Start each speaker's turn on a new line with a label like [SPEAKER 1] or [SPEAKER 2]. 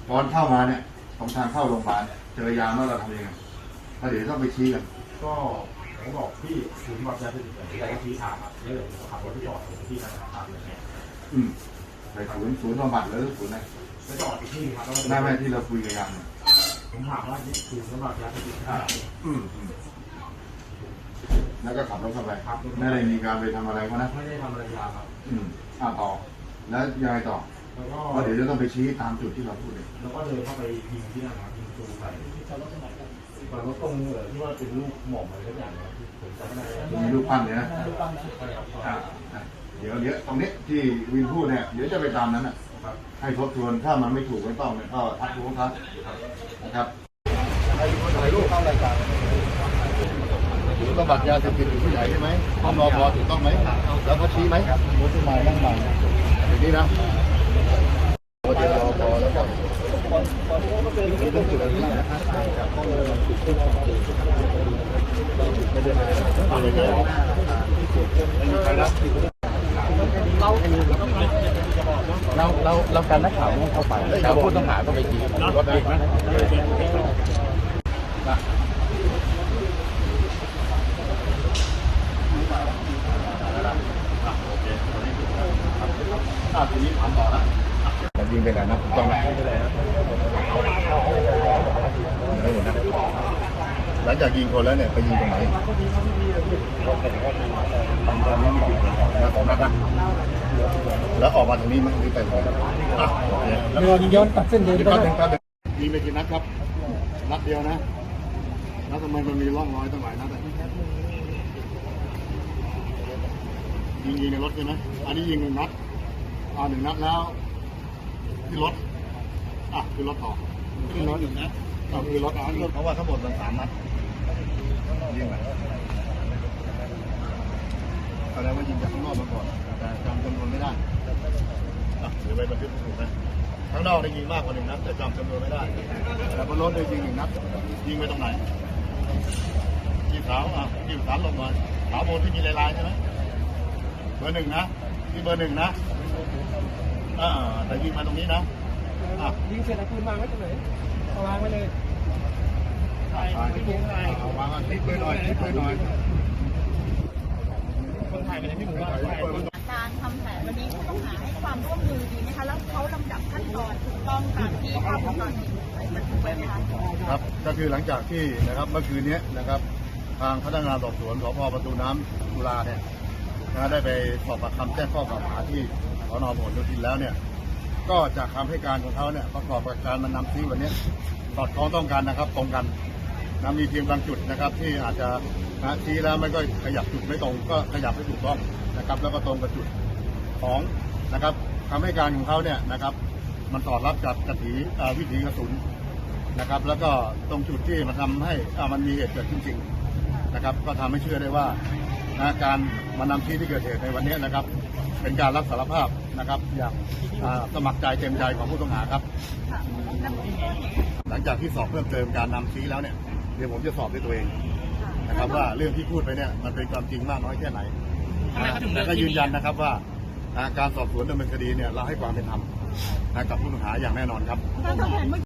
[SPEAKER 1] ตอนเข้ามาเนี่ยตรงทางเข้าโรงพยาบาลเจอยาเมื่อเราทำยังไงเดี๋ยวต้องไปชี้กัน
[SPEAKER 2] ก็ผมบอกพี่ศูนย์บริการเป็นอย่างที่เราชี้ทางครับแล้วเดี๋ยวผมขับรถที่จอดที่ธนาคารเลยเนี่ย
[SPEAKER 1] ไปศูนย์บำบัดหรือศูนย์ไหน
[SPEAKER 2] ไปจอดที่ครับ
[SPEAKER 1] ไม่ที่เราคุยกันยัง
[SPEAKER 2] ผมถามว่าศูนย์บริการเป็น
[SPEAKER 1] แล้วก็ขับรถเข้าไปไม่ได้มีการไปทำอะไรเขานะ
[SPEAKER 2] ไม่ได้ทำอะไรยาครับ
[SPEAKER 1] ต่อแล้วยังไงต่อ
[SPEAKER 2] แล้วก็
[SPEAKER 1] เดี๋ยวจะต้องไปชี้ตามจุดที่เราพูดเลย
[SPEAKER 2] แล้วก็เดินเข้าไปยิงที่นั่นครับยิงตูใส่รถตรงที่ว่าเป็นลูกหม่อมอะไรทุกอย่างนะผมจำไม่ได้
[SPEAKER 1] มีลูกปั้นเลยนะเดี๋ยวตรงนี้ที่วินพูดเนี่ยเดี๋ยวจะไปตามนั้นนะให้ทบทวนถ้ามันไม่ถูกไม่ต้องเนี่ยก็ทักท้วงครับนะครับให้ลูกเข้ารายการต้องบัตรยาเสพติดอยู่ที่ไหนใช่ไหมต้องรอพอถูกต้องไหมแล้วเขาชี้ไหมรถที่มานั่งมาอย่างนี้นะเดี๋ยวรอพอแล้วก็นี่ต้องจุดนี้นะไม่ได้อะไรเลยไม่มีใครรับเราการนักข่าวต้องเข้าไปแล้วผู้ต้องหาก็ไปจีบรถดีไหมทีนี้ถามต่อนะยิงไปไหนนะถูกต้องไหมหลังจากยิงคนแล้วเนี่ยไปยิงตรงไหนของนัดนะแล้วออกมาตรงนี้มั้งหรือไปไหน
[SPEAKER 3] แล้วยิงย้อนตัดเส้นเดินไป
[SPEAKER 1] ยิงไปกี่นัดครับนัดเดียวนะแล้วทำไมมันมีร่องรอยตั้งหลายนัดยิงในรถใช่ไหมอันนี้ยิง1 นัด1 นัดแล้วที่รถคือรถต่อ
[SPEAKER 3] ขึ้นรถ1 นัด
[SPEAKER 1] คือรถเพราะว่าทั้งหมดมัน3 นัดยิงไปแสดงว่ายิงจากข้างนอกมาก่อนแต่จำจำนวนไม่ได้เดี๋ยวไปบันทึกถูกนะข้างนอกได้ยิงมากกว่า1 นัดแต่จำจำนวนไม่ได้แต่บนรถได้ยิง1 นัดยิงไปตรงไหนที่ขาวที่ขาวลงมาขาวบนที่มีลายๆใช่ไหมเบอร์ 1นะที่เบอร์ 1นะแต่ยิงมาตรงนี้นะ
[SPEAKER 3] ยิงเสร็จแล้วปืนวางไว้ตรงไหนวางไว้เลยว
[SPEAKER 1] างทิ้งไปหน่อย
[SPEAKER 3] คนถ่ายไปในที่หมู่บ้าน
[SPEAKER 4] การทำแผนวันนี้ผู้ต้องหาให้ความร่วมมือดีไหมคะแล้วเขาลำดับขั้นตอนถูกต้องตามที่ภาพวงจรปิดบันทึกไว้ไหมคะ
[SPEAKER 1] ครับก็คือหลังจากที่นะครับเมื่อคืนนี้นะครับทางพนักงานสอบสวนสพ.ประตูน้ำจุฬาเนี่ยได้ไปสอบปากคำแจ้งข้อกล่าวหาที่สน.พหลโยธินแล้วเนี่ยก็จากคำให้การของเขาเนี่ยประกอบกับการมันนำชี้วันนี้สอดคล้องต้องกันนะครับตรงกันมีเพียงบางจุดนะครับที่อาจจะชี้แล้วไม่ก็ขยับจุดไม่ตรงก็ขยับให้ถูกต้องนะครับแล้วก็ตรงกับจุดของนะครับคำให้การของเขาเนี่ยนะครับมันสอดรับกับวิถีกระสุนนะครับแล้วก็ตรงจุดที่มันทำให้มันมีเหตุเกิดขึ้นจริงนะครับก็ทำให้เชื่อได้ว่าการมานำชี้ที่เกิดเหตุในวันนี้นะครับเป็นการรับสารภาพนะครับอย่างสมัครใจเต็มใจของผู้ต้องหาครับหลังจากที่สอบเพิ่มเติมการนำชี้แล้วเนี่ยเดี๋ยวผมจะสอบด้วยตัวเองนะครับว่าเรื่องที่พูดไปเนี่ยมันเป็นความจริงมากน้อยแค่ไหนแต่ก็ยืนยันนะครับว่าการสอบสวนดำเนินคดีเนี่ยเราให้ความเป็นธรรมกับผู้ต้องหาอย่างแน่นอนครับ